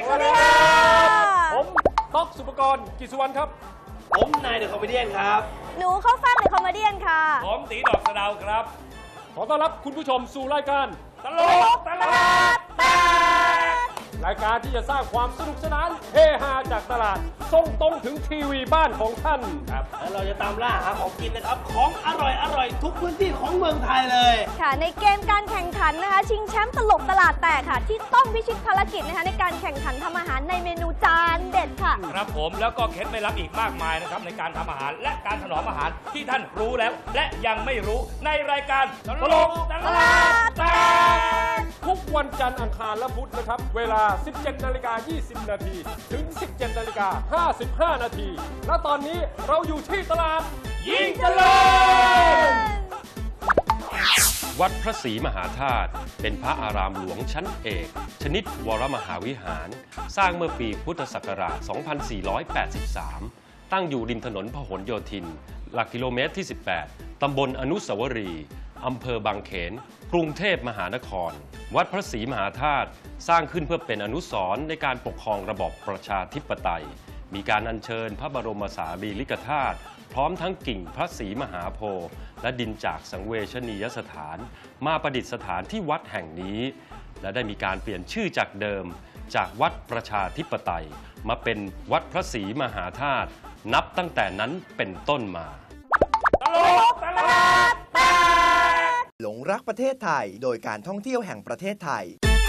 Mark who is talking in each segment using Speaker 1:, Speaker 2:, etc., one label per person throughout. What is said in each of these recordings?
Speaker 1: สวัสดีค่ะ
Speaker 2: ผมต๊อกสุปกรณ์กิจสุวรรณครับ
Speaker 3: ผมนายเดอะคอมเมเดี้ครับ
Speaker 1: หนูเข้าฟังเดอะคอมเมเดี้ค่ะ
Speaker 2: ผมตีดอกสะเดาครับขอต้อนรับคุณผู้ชมสู่รายการตลกตลาดแตกรายการที่จะสร้างความสนุกสนานเฮฮาจากตลาดส่งตรงถึงทีวีบ้านของท่าน
Speaker 3: ครับแล้วเราจะตามล่าหาของกินนะครับของอร่อยทุกพื้นที่ของเมืองไทยเลย
Speaker 1: ค่ะในเกมการแข่งขันนะคะชิงแชมป์ตลกตลาดแตกค่ะที่ต้องพิชิตภารกิจนะคะในการแข่งขันทำอาหารในเมนูจานเด็ดค่ะ
Speaker 2: ครับผมแล้วก็เคล็ดไม่ลับอีกมากมายนะครับในการทำอาหารและการถนอมอาหารที่ท่านรู้แล้วและยังไม่รู้ในรายการตลกตลาดแตกทุกวันจันทร์อังคารและพุธนะครับเวลา 17:20 นาทีถึง 17:55 นาทีและตอนนี้เราอยู่ที่ตลาดยิ่งเจริญวัดพระศรีมหาธาตุเป็นพระอารามหลวงชั้นเอกชนิดวรมหาวิหารสร้างเมื่อปีพุทธศักราช 2483 ตั้งอยู่ริมถนนพหลโยธินหลักกิโลเมตรที่ 18 ตำบลอนุสาวรีย์อำเภอบางเขนกรุงเทพมหานครวัดพระศรีมหาธาตุสร้างขึ้นเพื่อเป็นอนุสรณ์ในการปกครองระบอบประชาธิปไตยมีการอัญเชิญพระบรมสารีริกธาตุพร้อมทั้งกิ่งพระศรีมหาโพธิ์และดินจากสังเวชนียสถานมาประดิษฐานที่วัดแห่งนี้และได้มีการเปลี่ยนชื่อจากเดิมจากวัดประชาธิปไตยมาเป็นวัดพระศรีมหาธาตุนับตั้งแต่นั้นเป็นต้นมาตลกตลาดแตก
Speaker 4: หลงรักประเทศไทยโดยการท่องเที่ยวแห่งประเทศไทย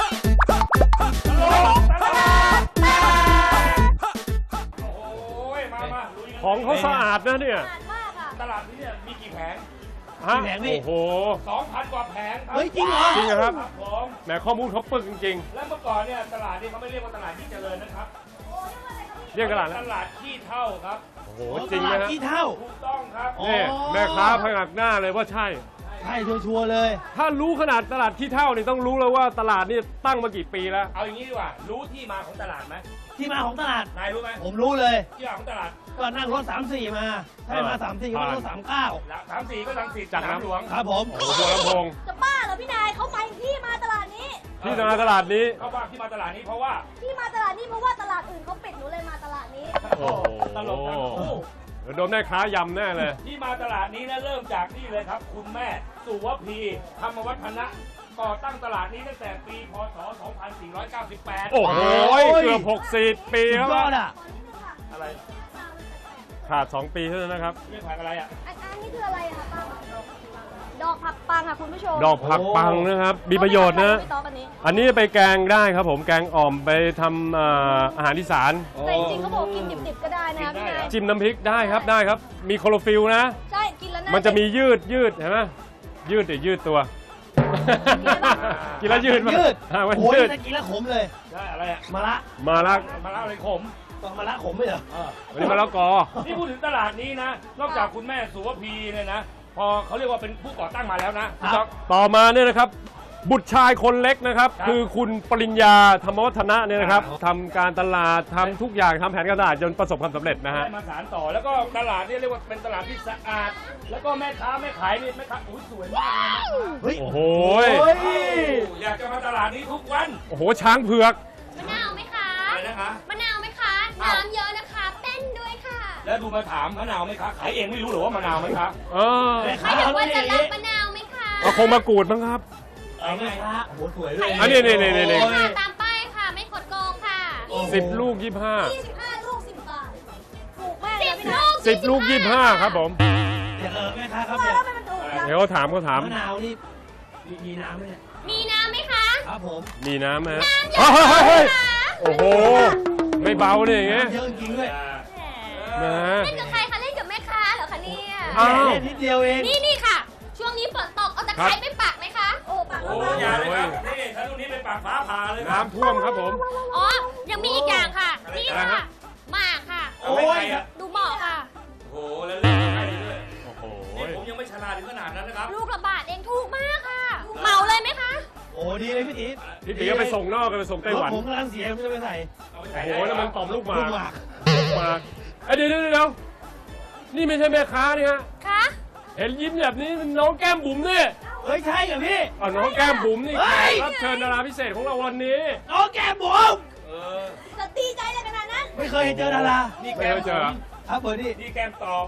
Speaker 2: ของเขาสะอาดนะเนี่ย
Speaker 1: ตลาด
Speaker 2: นี้เนี่ยมีกี่แผง
Speaker 3: แผงนี่
Speaker 2: โอ้โห 2,000 กว่าแผง
Speaker 3: เฮ้ยจริงเหรอ
Speaker 2: จริงครับผมแหมข้อมูลเขาปึกจริงๆแล้วเมื่อก่อนเนี่ยตลาดนี้เขาไม่เรียกว่าตลาดที่เจริญนะครับเรียกตลาดขี้เถ้าครับ
Speaker 3: โอ้โหจริงนะขี้เถ้า
Speaker 2: ถูกต้องครับนี่แม่ค้าพยักหน้าเลยว่าใช่
Speaker 3: ชัวร์เลย
Speaker 2: ถ้ารู้ขนาดตลาดขี้เถ้านี่ต้องรู้แล้วว่าตลาดนี่ตั้งมากี่ปีแล้วเอาอย่างนี้ดีกว่ารู้ที่มาของตลาดไหม
Speaker 3: ที่มาของตลาด
Speaker 2: นายรู้ไหม
Speaker 3: ผมรู้เลย
Speaker 2: ที่มาของตลาด
Speaker 3: ก็นั่งรถ34มาใช่มา34ก็รถ39
Speaker 2: 34ก็ลังสิตจากน้ำหลวง
Speaker 3: ครับผม
Speaker 2: โอ้โหลำโพง
Speaker 1: จะบ้าเหรอพี่นายเขาไปที่มาตลาดนี้
Speaker 2: ที่มาตลาดนี้เขาว่าที่มาตลาดนี้เพราะว่า
Speaker 1: ที่มาตลาดนี้เพราะว่าตลาดอื่นเขาปิดหนูเลยมาตลาดนี้
Speaker 2: โอ้โหตลกทั้งคู่โดนแม่ค้ายำแน่เลยที่มาตลาดนี้นะเริ่มจากนี่เลยครับคุณแม่สุวพีธรรมวัฒนะก่อตั้งตลาดนี้ตั้งแต่ปีพศ 2498 โอ้โหเกือบ60 ปีแล้วอะไรขาด2 ปีเท่านั้นนะครับเรื่องผักอะไรอ่ะ
Speaker 1: อันนี้คืออะไรคะป้าดอกผักปังค่ะคุณผู้ชม
Speaker 2: ดอกผักปังนะครับมีประโยชน์นะอันนี้ไปแกงได้ครับผมแกงอ่อมไปทำอาหารอีสาน
Speaker 1: แต่จริงๆเขาบอกกินดิบๆก็ได้นะพี่นาย
Speaker 2: จิ้มน้ำพริกได้ครับได้ครับมีโคลอฟิลนะ
Speaker 1: ใช่กินแล้ว
Speaker 2: มันจะมียืดเห็นไหมยืดตัวกินแล้วยืด
Speaker 3: โอ้ยจะกินแล้วขมเลย
Speaker 2: ใช่อะไรอะ
Speaker 3: มะระ
Speaker 2: อะไรขม
Speaker 3: มะระขมไม่เหรอ
Speaker 2: วันนี้มะละกอนี่พูดถึงตลาดนี้นะนอกจากคุณแม่สุวพีเนี่ยนะพอเขาเรียกว่าเป็นผู้ก่อตั้งมาแล้วนะต่อมาเนี่ยนะครับบุตรชายคนเล็กนะครับคือคุณปริญญาธรรมวัฒนะเนี่ยนะครับทำการตลาดทำทุกอย่างทำแผนการตลาดจนประสบความสำเร็จนะฮะมาสานต่อแล้วก็ตลาดนี่เรียกว่าเป็นตลาดที่สะอาดแล้วก็แม่ค้าแม่ขายนี่แม่ค้าสวยมากเลยโอ้โหอยากจะมาตลาดนี้ทุกวันโอ้โหช้างเผือก
Speaker 1: มะนาวไหมคะอะไรนะคะมะนาวไหมคะน้ำเยอะนะคะเต้นด้วยค่ะ
Speaker 2: แล้วดูมาถามมะนาวไหมคะขายเองไม่รู้หรือว่ามะนาวไหมคะ
Speaker 1: ไม่ถึงว่าจะรับมะนาวไหมคะ
Speaker 2: คงมากรูดมั้งครับ
Speaker 3: ไงคะโอ้โหสวยเลย
Speaker 2: อันนี้
Speaker 1: ตามป้ายค่ะไม่กดโกงค่ะ
Speaker 2: 10 ลูก 25
Speaker 1: ลูก10 บาทถูกมาก
Speaker 2: 10 ลูก 25ครับผม
Speaker 3: แม่ค้าครับ
Speaker 2: เดี๋ยวเขาถาม
Speaker 3: มะนาวนี่มีน้ำไหมเนี่ย
Speaker 1: มีน้ำไหมคะ
Speaker 3: ครับผม
Speaker 2: มีน้ำไหมโอ้โหไม่เบาเลยอย่างเงี้ย
Speaker 3: เยอะจริงด้วย
Speaker 1: เล่นกับใครคะเล่นกับแม่ค้าเหรอคะเนี่ย
Speaker 3: เล่นนิดเดียวเอง
Speaker 1: นี่ค่ะช่วงนี้ฝนตกเอาตะไคร้ไปปักไหมคะโอ้ปัก
Speaker 2: อย่าเลยครับนี่ถ้าลูกนี้ไปปักฟ้าผ่าเลยน้ำท่วมครับผม
Speaker 1: อ๋อยังมีอีกอย่างค่ะนี่ค่ะหมากค่ะ
Speaker 2: โอ้ย
Speaker 1: ดูเหมาะค่ะ
Speaker 2: โอ้โหแล้วเล่นใครด้วยโอ้โหผมยังไม่ฉลาดถึงขนาดนั้นนะครับ
Speaker 1: ลูกละบาทเองถูกมากค่ะเหมาเลยไหมคะ
Speaker 3: โอ้ดีเลยพี่
Speaker 2: ตีก็ไปส่งนอกกันไปส่งไต้หวัน
Speaker 3: ผมกำลังเสียมันจะไปใส่
Speaker 2: โอ้โหแล้วมันตอมลูกหมากเดี๋ยวนี่ไม่ใช่แม่ค้านี่ฮะ
Speaker 1: คะ
Speaker 2: เห็นยิ้มแบบนี้น้องแก้มบุ๋มนี่
Speaker 3: เฮ้ยใช่เหรอพี่
Speaker 2: น้องแก้มบุ๋มนี่รับเชิญดาราพิเศษของเราวันนี้
Speaker 3: น้องแก้มบุ๋มเคยเจอดารา
Speaker 5: นี่แก้ม
Speaker 2: ไม่เคยเจอ
Speaker 3: ครับเบอร์นี่
Speaker 5: นี่แก้มตอบ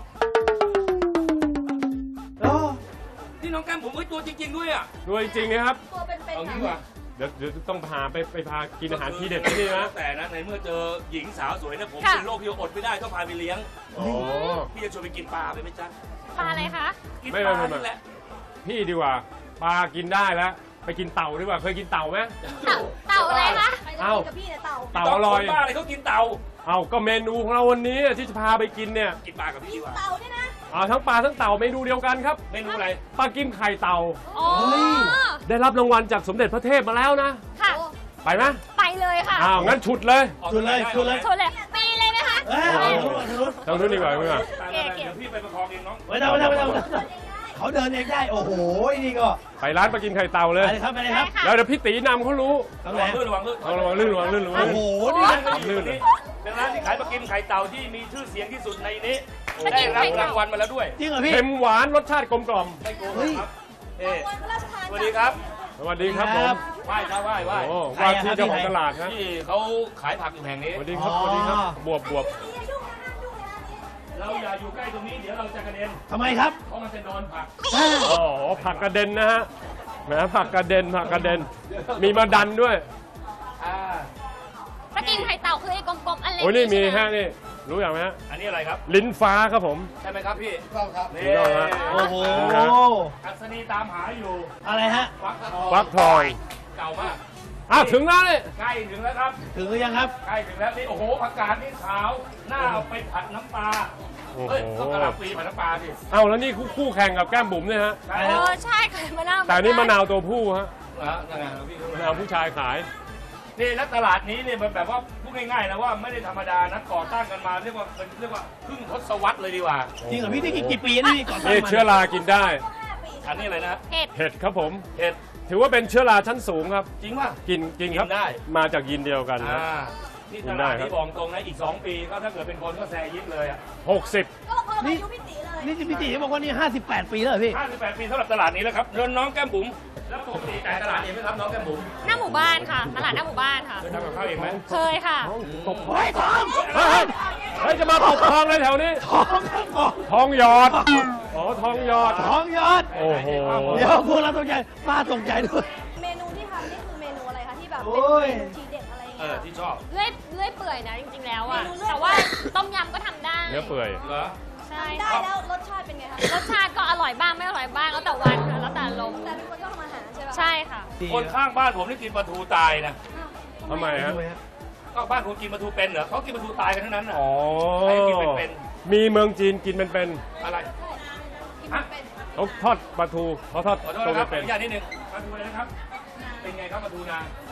Speaker 3: โอ้
Speaker 5: นี่น้องแก้มผมเฮ้ยตัวจริง ๆ ด้วยอ่ะ
Speaker 2: ด้วยจริงๆนะครับ
Speaker 1: ตัวเป็น
Speaker 5: เอา
Speaker 1: ๆ
Speaker 5: งี้
Speaker 1: ค่ะ
Speaker 5: ดีกว่า
Speaker 2: เดี๋ยวต้องพาไปพากินอาหารที่เด็ดที่นี่นะ
Speaker 5: แต่นะในเมื่อเจอหญิงสาวสวยเนี่ยผม
Speaker 1: ค่ะ
Speaker 5: เป็นโรคที่อดไม่ได้ต้องพาไปเลี้ยง
Speaker 2: โอ้
Speaker 5: พี่จะชวนไปกินปลาไปไหมจ๊ะ
Speaker 1: ปลาอะไรคะ
Speaker 5: กิน
Speaker 2: ไม่
Speaker 5: ปลา
Speaker 2: ไม่
Speaker 5: นี่แหละ
Speaker 2: พี่ดีกว่าปลากินได้แล้วไปกินเต่าดีกว่าเคยกินเต่าไหม
Speaker 1: เต่าอะไรคะ
Speaker 2: เอ้า
Speaker 1: กับพี่เนี่ยเต่า
Speaker 2: เต่าอร่อย
Speaker 5: คนบ้าอะไรเขากินเต่า
Speaker 2: เอาก็เมนูของเราวันนี้ที่จะพาไปกินเนี่ย
Speaker 5: กินปลากับพี่ดีกว่า
Speaker 1: เต่าเนี่ยนะ
Speaker 2: เอาทั้งปลาทั้งเต่าเมนูเดียวกันครับ
Speaker 5: เมนูอะไร
Speaker 2: ปลากิมไข่เต่า
Speaker 1: อ๋อ
Speaker 2: ได้รับรางวัลจากสมเด็จพระเทพมาแล้วนะ
Speaker 1: ค่ะ
Speaker 2: ไปไหม
Speaker 1: ไปเลยค่ะ
Speaker 2: อ้าวงั้นฉุดเลย
Speaker 5: ออก
Speaker 3: ชุดเลย
Speaker 5: ได้
Speaker 3: ชุดเลย
Speaker 1: ชนเลยปีเลยไหมคะ
Speaker 3: เอ้ยเอารถ
Speaker 2: ต้องนู้นดีกว่าดีกว่า
Speaker 5: ไปๆๆเดี๋ยวพี่ไปประคองเองน้อง
Speaker 3: ไม่ต้องเขาเดินเองได้ โอ้โห นี่ก็
Speaker 2: ไปร้านปลากิมไข่เต่าเลย
Speaker 3: ไปเลยครับไปเลยครับ
Speaker 2: แล้วเดี๋ยวพี่ตีนำเขารู้
Speaker 3: ตรง
Speaker 5: ระ
Speaker 3: ไหน
Speaker 5: วังลื่นระวังลื่น
Speaker 2: เอาระวังลื่นระวังลื่นระวัง
Speaker 3: โอ้
Speaker 2: ลื่น
Speaker 3: โห นี่
Speaker 2: ลื่นเลย
Speaker 5: เป็นร้านที่ขายปลากิมไข่เต่าที่มีชื่อเสียงที่สุดในนี้
Speaker 1: ปลากิ
Speaker 5: ได้
Speaker 1: ม
Speaker 5: รับ
Speaker 1: ไข่เต่า
Speaker 5: รางวัลมาแล้วด้วย
Speaker 3: จริงเหรอพี่
Speaker 2: เค็มหวานรสชาติกลมกล่อม
Speaker 5: ไม่โกงนะครับเอ๊ะ
Speaker 1: รางวัลพระราชทาน
Speaker 5: สวัสดีครับ
Speaker 2: สวัสดีครับผม
Speaker 5: ไหว้ครับไหว้
Speaker 2: โอ้ว่าที่เจ้าของตลาดนะ
Speaker 5: ที่เขาขายผักอยู่แห่งนี้
Speaker 2: สวัสดีครับสวัสดีครับบวบบวบ
Speaker 5: เราอย่าอยู่ใกล้ตรงนี้เดี๋ยวเราจะกระเด็น
Speaker 3: ทำไมครับ
Speaker 5: เพราะมันจะโดนผัก
Speaker 2: อ๋อผักกระเด็นนะฮะแหมผักกระเด็นผักกระเด็น มีมาดันด้วย
Speaker 5: อ่า
Speaker 1: ปลากิมไข่เต่าคือไอ้กลมๆอันเล็ก
Speaker 2: โอ้ยนี่มี
Speaker 1: ใช่ไห
Speaker 2: ฮะนี่รู้อย่างไหมฮะ
Speaker 5: อันนี้อะไรครับ
Speaker 2: ลิ้นฟ้าครับผม
Speaker 5: ใช่ไหมครับพี่
Speaker 3: ก็ครับ
Speaker 5: นี่
Speaker 2: ถูกต้องฮะ
Speaker 3: โอ้โห
Speaker 5: อัศนีตามหาอยู่
Speaker 3: อะไรฮะ
Speaker 5: ฟักทอง
Speaker 2: ฟักทอง
Speaker 5: เก่ามาก
Speaker 2: อ้าวถึงแล้วนี่
Speaker 5: ใกล้ถึงแล้วครับ
Speaker 3: ถึงหรือยังครับ
Speaker 5: ใกล้ถึงแล้วนี่โอ้โหผักกาดนี่ขาวหน้าเอาไปผัดน้ำปลา
Speaker 2: โอ้โห
Speaker 5: เฮ้ยต้องกระหล่ำปีผัดน้ำปลาสิ
Speaker 2: เอ้าแล้วนี่คู่แข่งกับแก้มบุ๋มเนี่ยฮะ
Speaker 5: ใช่
Speaker 1: เอ
Speaker 5: แล้ว
Speaker 1: อใช่ค่ะมะนาว
Speaker 2: แต่อันนี่มะนาวตัวผู้ฮะ
Speaker 5: นั่นไงพี่
Speaker 2: มะนาวผู้ชายขาย
Speaker 5: นี่แล้วตลาดนี้เนี่ยมันแบบว่าพูดง่ายๆนะว่าไม่ได้ธรรมดานะก่อตั้งกันมาเรียกว่าครึ่งทศวรรษเลยดีกว่า
Speaker 3: จริงเหรอพี่ได้กี่ปีนี่ก่อน
Speaker 2: นี่เชื้อรากินได้
Speaker 5: อันนี้อะไรนะ
Speaker 1: เห็ด
Speaker 2: เห็ดครับผม
Speaker 5: เห็ด
Speaker 2: ถือว่าเป็นเชื้อราชั้นสูงครับ
Speaker 5: จริงป่ะ
Speaker 2: กินครับ
Speaker 5: กินได้
Speaker 2: มาจากยีนเดียวกันครับ
Speaker 5: นี่
Speaker 2: กิ
Speaker 5: ต
Speaker 2: นได้
Speaker 5: ลาด
Speaker 2: ครับ
Speaker 5: ที่บอกตรงนะอีก 2 ปีก็ถ้าเกิดเป็นคนก็แซยิบเลยอ่ะ
Speaker 2: 60
Speaker 1: ก็คนละอายุพี่ตีเลย
Speaker 3: นี่พี่ตีบอกว่านี่58 ปีแล้วเหรอพี่
Speaker 5: 58 ปีสำหรับตลาดนี้แล้วครับเดินน้องแก้มบุ๋มแล้วปกติจ่ายตลาดเองไหมครับน้องแก้มบุ๋ม
Speaker 1: หน้าหมู่บ้านค่ะ ตลาดหน้าหมู่บ้านค่ะ
Speaker 5: เคยทำกับข้าวเองไหม
Speaker 1: เคยค่ะ
Speaker 2: ตบเฮ้ยเฮ้ยจะมาตบทองเลยแถวนี้
Speaker 3: ท้อง
Speaker 2: ทองหยอดอ๋อทองหยอด
Speaker 3: ท้องยอด
Speaker 2: โอ้โห
Speaker 3: เดี๋ยวพวกเราตกใจป้าตกใจด้วย
Speaker 1: เมนูที่ทำนี่คือเมนูอะไรคะที่แบบ
Speaker 3: โอ้ย
Speaker 1: เป็นเมนูทีเด็ดอะไรอย่างเงี้ย
Speaker 5: ที่ชอบ
Speaker 1: เลื่อยเปื่อยนะจริงๆแล้วอะแต่ว่าต้มยำก็ทำได้
Speaker 2: เนื้อเปื่อย
Speaker 5: เหรอ
Speaker 1: ใช่ได้แล้วรสชาติเป็นไงคะรสชาติก็อร่อยบ้างไม่อร่อยบ้างแล้วแต่วันค่ะแล้วแต่ลมณ์แต่เป็นคนชอบทำอาหารใช่ปะใช่ค่ะ
Speaker 5: คนข้างบ้านผมนี่กินปลาทูตายนะ
Speaker 2: ทำไมฮะ
Speaker 5: ก็บ้านคุณกินปลาทูเป็นเหรอเขากินปลาทูตายกันทั้งนั้นน่ะ
Speaker 2: อ๋อ
Speaker 5: ใครกินเป็น
Speaker 2: มีเมืองจีนกินเป็น
Speaker 5: อะไรฮะ
Speaker 2: ๆเขาทอดปลาทูเขาทอด
Speaker 5: ขอโทษ
Speaker 2: ตัว
Speaker 5: นะครับขอ
Speaker 2: เป็
Speaker 5: อน นุญาตนิดนึงปลาทูอะไรนะครับ เป็นไงครับปลาทูนา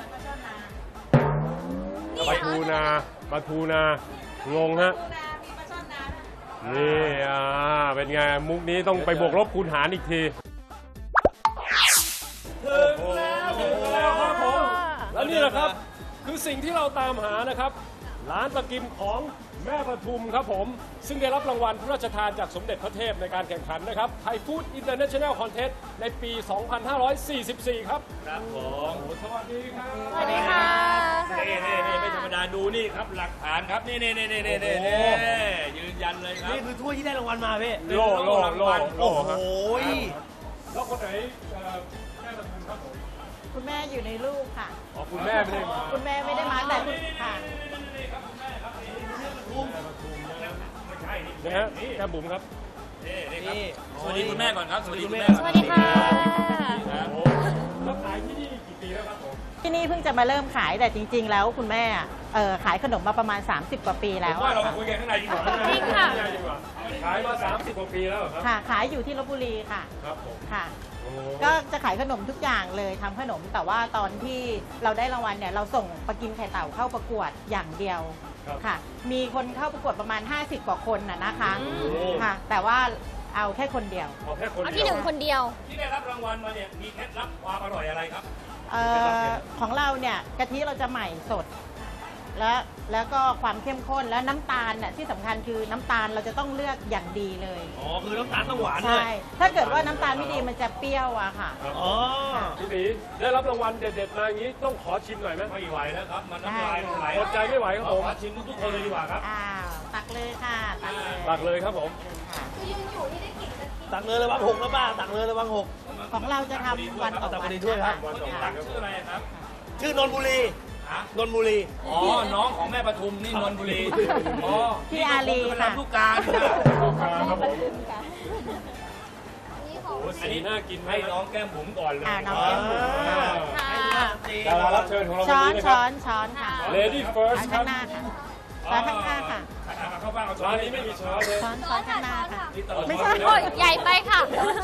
Speaker 2: ปลาทูนาปลาทูนางงฮะนี่เป็นไงมุกนี้ต้องไปบวกลบคูณหารอีกที
Speaker 5: ถึงแล้วครับผม
Speaker 2: แล้วนี่แหละครับคือสิ่งที่เราตามหานะครับ ร้านปลากิมของแม่ปทุมครับผม ซึ่งได้รับรางวัลพระราชทานจากสมเด็จพระเทพในการแข่งขันนะครับไทยฟู้ดอินเตอร์เนชั่นแนลคอนเทสต์ในปี 2544 ครับ
Speaker 5: ครับผม
Speaker 2: สวัสดีครับ
Speaker 1: สวัสดีค่ะ
Speaker 5: นี่ไม่ธรรมดาดูนี่ครับหลักฐานครับนี่ยืนยันเลยครับ
Speaker 3: นี่คือถ้วยที่ได้รางวัลมาพี่
Speaker 2: โล่
Speaker 3: โอ้
Speaker 2: ฮะ
Speaker 3: โห
Speaker 2: แล้วคนไหนแม่ปทุมครับผม
Speaker 6: คุณแม่อยู่ในรูปค่ะ
Speaker 2: อ๋อคุณแม่ไม่ได้มา
Speaker 6: คุณแม่ไม่ได้มาแต่คุณค่ะ
Speaker 5: ไม่ใช่นี่
Speaker 2: นะฮะแก้มบุ๋มครับ
Speaker 5: นี่ครับสวัสดีคุณแม่ก่อนครับสวัสดีคุณแม่
Speaker 1: สวัสดีค่ะ
Speaker 2: โอ้แล้วขายที่นี่กี่ปีแล้วครับผม
Speaker 6: ที่นี่เพิ่งจะมาเริ่มขายแต่จริง ๆ แล้วคุณแม่ขายขนมมาประมาณ 30 กว่าปีแล้ว
Speaker 5: ว่า
Speaker 6: อะ
Speaker 5: เรามา
Speaker 6: ค่ะ
Speaker 5: คุยกันข้างในดีกว่า
Speaker 1: จริงค่ะ
Speaker 2: ขายมา 30 กว่าปีแล้วเหรอครับ
Speaker 6: ค่ะ ขายอยู่ที่ลบบุรีค่ะ
Speaker 2: ครับผม
Speaker 6: ค่ะ
Speaker 2: โอ้
Speaker 6: ก็จะขายขนมทุกอย่างเลยทำขนม แต่ว่าตอนที่เราได้รางวัลเนี่ยเราส่งปลากิมไข่เต่าเข้าประกวดอย่างเดียวค่ะ มีคนเข้าประกวดประมาณ 50 กว่าคนนะคะ ค่ะ แต่ว่าเอาแค่คนเดียว
Speaker 2: เอาแค่คน
Speaker 1: เอา
Speaker 2: เดี
Speaker 1: ที่ห
Speaker 2: ยว
Speaker 1: นึ่งคนเดียว
Speaker 5: ที่ได้รับรางวัลมาเนี่ยมีเคล็ดลับความอร่อยอะไรครับ
Speaker 6: ของเราเนี่ยกะทิเราจะใหม่สดแล้วก็ความเข้มข้นและน้ำตาลน่ะที่สำคัญคือน้ำตาลเราจะต้องเลือกอย่างดีเลย
Speaker 3: อ๋อคือน้ำตาลต้องหวานด้วย
Speaker 6: ใช่ถ้าเกิดว่าน้ำตาลไม่ดีมันจะเปรี้ยวอะค่ะ
Speaker 3: อ๋อ
Speaker 5: พี่ตีได้รับรางวัลเด็ดๆมาอย่างนี้ต้องขอชิมหน่อยไหมไม่ไหวแล้วครับ มันน้ำลายไหลอดใจไม่ไหวครับผมขอชิมทุกๆคนเลยดีกว่าครับ
Speaker 6: อ้าวตักเลยค่ะตักเลย
Speaker 5: ตักเลยครับผม
Speaker 6: ค่ะ
Speaker 3: ตักเลยระวังหกนะป้าตักเลยระวังหก
Speaker 6: ของเราจะทำวันต่อ
Speaker 3: ตัก
Speaker 6: วั
Speaker 3: พอน ดีด้วยครับ
Speaker 5: วันต่อวัน
Speaker 6: ค่ะ
Speaker 5: ชื่ออะไรครับ
Speaker 3: ชื่อนนบุรี
Speaker 5: ฮะ
Speaker 3: นนบุรี
Speaker 5: อ๋อ น้องของแม่ปทุมนี่นนบุรี อ๋อ
Speaker 6: พี่อารี
Speaker 5: เป็น
Speaker 6: ค่ะ
Speaker 5: ลำลูกกานี่ค่ะครับผมโอ้สีน่ากินให้น้องแก้มบุ๋มก่อนเลย
Speaker 6: น้องแก้มบุ๋ม
Speaker 5: อ่า
Speaker 6: ค่ะ
Speaker 5: ดารารับเชิญของเราวัน
Speaker 6: ช้อน
Speaker 5: นี้นะครั
Speaker 6: ช้อนค่ะ
Speaker 5: Lady
Speaker 6: ช้อน
Speaker 5: First ครั
Speaker 6: ข้า
Speaker 5: บ
Speaker 6: งหน้าค่ะช้อนข้างหน้าค่ะ
Speaker 5: เข้าบ้านเอาช้อนนี้ไม่มีช้อนเลย
Speaker 6: ช้อนข้างหน้าค่ะ
Speaker 5: นี่ตลอด
Speaker 6: ไม่ใช่
Speaker 5: ช้อน
Speaker 1: โอ้ย
Speaker 5: เลย
Speaker 1: ใหญ่ไปค่ะ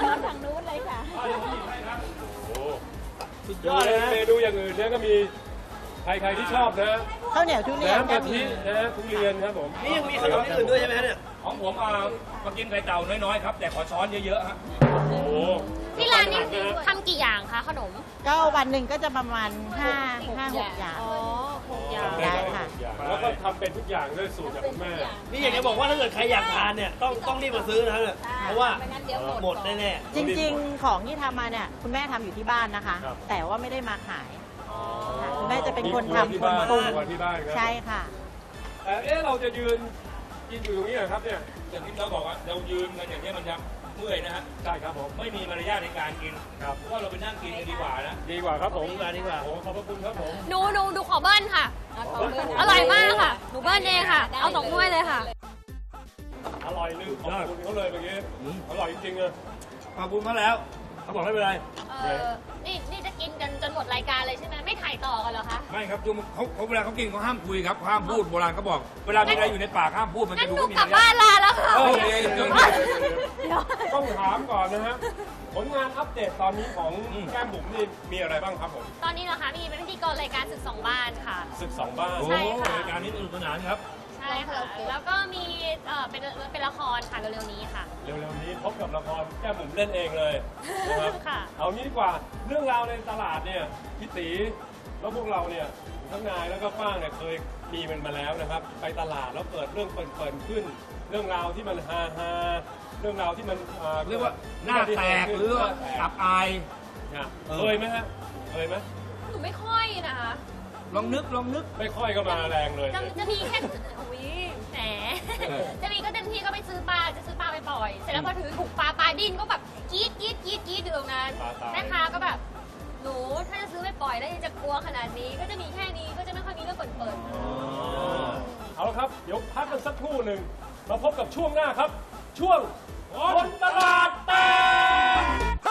Speaker 5: โอ้
Speaker 3: สุดย
Speaker 5: เดี๋ยว
Speaker 3: อดเลยนะ
Speaker 5: เมนูอย่างอื่นเนี่ยก็มีใครๆที่ชอบนะ
Speaker 6: ข้าวเหนียวทุเรียน
Speaker 5: น้ำ
Speaker 6: ก็
Speaker 5: กะ
Speaker 6: มี
Speaker 5: ทินะทุเรียนครับผม
Speaker 3: นี่ยังมีขนมที่อื่นด้วยใช่ไหมฮะเนี่ย
Speaker 5: ของผมมากินไข่เต่าน้อยๆครับแต่ขอช้อนเยอะๆฮะโอ้โห
Speaker 1: ที่ร้านนี้ทำกี่อย่างคะขนม
Speaker 6: ก็วันหนึ่งก็จะประมาณ5-6 อย่าง
Speaker 1: อ๋อ6อย่าง
Speaker 6: ได้ค่ะ
Speaker 5: แล้วก็ทำเป็นทุกอย่างด้วยสูตรจากคุณแม่
Speaker 3: นี่อยากจะบอกว่าถ้าเกิดใครอยากทานเนี่ยต้องรีบมาซื้อนะเนี่ยเพราะว่าหมดแน่
Speaker 6: จริงๆ ของที่ทำมาเนี่ยคุณแม่ทำอยู่ที่บ้านนะคะ
Speaker 5: ครับ
Speaker 6: แต่ว่าไม่ได้มาขายค่ะคุณแม่จะเป็นคน
Speaker 5: มี
Speaker 6: ทำ
Speaker 5: ที่
Speaker 6: คน
Speaker 5: บ้าน
Speaker 6: ปรุง
Speaker 5: ครัวที่บ้านครับ
Speaker 6: ใช่ค่ะ
Speaker 5: แต่เราจะยืนกินอยู่ตรงนี้เหรอครับเนี่ยอย่างที่เราบอกว่าเรายืนกันอย่างนี้มันจะเมื่อยนะฮะใช่ครับผมไม่มีมารยาทในการกินครับว่าเราไปนั่งกินกันดีกว่านะดีกว่าครับผมดีกว่าโอ้ขอบพระคุณครับผม
Speaker 1: หนูดูขอเบิ้ลค่ะ อร่อยมากค่ะ หนูเบิ้ลเองค่ะ เอา2ถ้วยเลยค่ะ
Speaker 5: อร่อยลืมขอบคุณเขาเลยเมื่อกี้อร่อยจริงๆเลย
Speaker 3: ๆขอบคุณเขาแล้วเขาบอกไม่เป็นไร
Speaker 1: นี่จะกินกันจนหมดรายการเลยใช่ไหมไม่ถ่ายต่อกันเหรอคะ
Speaker 5: ไม่ครับเขาเวลาเขากินเขาห้ามคุยครับห้ามพูดโบราณเขาบอกเวลามีอะไรอยู่ในปากห้ามพูดมัน
Speaker 1: งั้
Speaker 5: จะ
Speaker 1: น
Speaker 5: ดู
Speaker 1: หนู
Speaker 5: ไม่มี
Speaker 1: กลับ
Speaker 5: มาร
Speaker 1: บ้าย
Speaker 5: าน ท
Speaker 1: ลาแล้วค่ะ
Speaker 5: เดี๋ยวต้องถามก่อนนะฮะผลงานอัปเดตตอนนี้ของแก้มบุ๋มนี่มีอะไรบ้างครับผม
Speaker 1: ตอนนี้เหรอคะมีเป็นพิธีกรรายการศึก2 บ้านค่ะ
Speaker 5: ศึกสองบ้าน
Speaker 1: ใช่ค่ะ
Speaker 5: รายการนี้สนุกสนานครับ
Speaker 1: ใช่ค่ะ แล้วก็มีเป็นละครค่ะเร็วๆนี้ค่ะ
Speaker 5: เร็วๆนี้พบกับละครแก้มบุ๋มเล่นเองเลยนะครับ
Speaker 1: ค่ะ
Speaker 5: เอางี้ดีกว่าเรื่องราวในตลาดเนี่ยพี่ตีแล้วพวกเราเนี่ยทั้งนายแล้วก็ป้างเนี่ยเคยมีมันมาแล้วนะครับ ไปตลาดแล้วเกิดเรื่องเปิดขึ้น เรื่องราวที่มันฮาเรื่องราวที่มัน
Speaker 7: เรียกว่าหน้าแตกหรือว่าอับอาย
Speaker 5: เนี่ยเคยไหมฮะเคยไหม
Speaker 1: หนูไม่ค่อยนะคะ
Speaker 7: ลองนึก
Speaker 5: ไม่ค่อยก็มาแรงเลย
Speaker 1: จะมีแค่อุ้ยแหมจะมีก็เต็มที่ก็ไปซื้อปลาจะซื้อปลาไปปล่อย เสร็จแล้วพอถือถุงปลาดิ้นก็แบบกรี๊ดอยู่ตรงนั้น
Speaker 5: ปลาตาย
Speaker 1: แม่ค้าก็แบบหนูถ้าจะซื้อไปปล่อยแล้วยังจะกลัวขนาดนี้ก็จะมีแค่นี้ก็จะไม่ค่อยมีเรื่องเปิด
Speaker 5: เอาละครับเดี๋ยวพักกันสักครู่หนึ่งมาพบกับช่วงหน้าครับ ช่วงคนตลาดแตก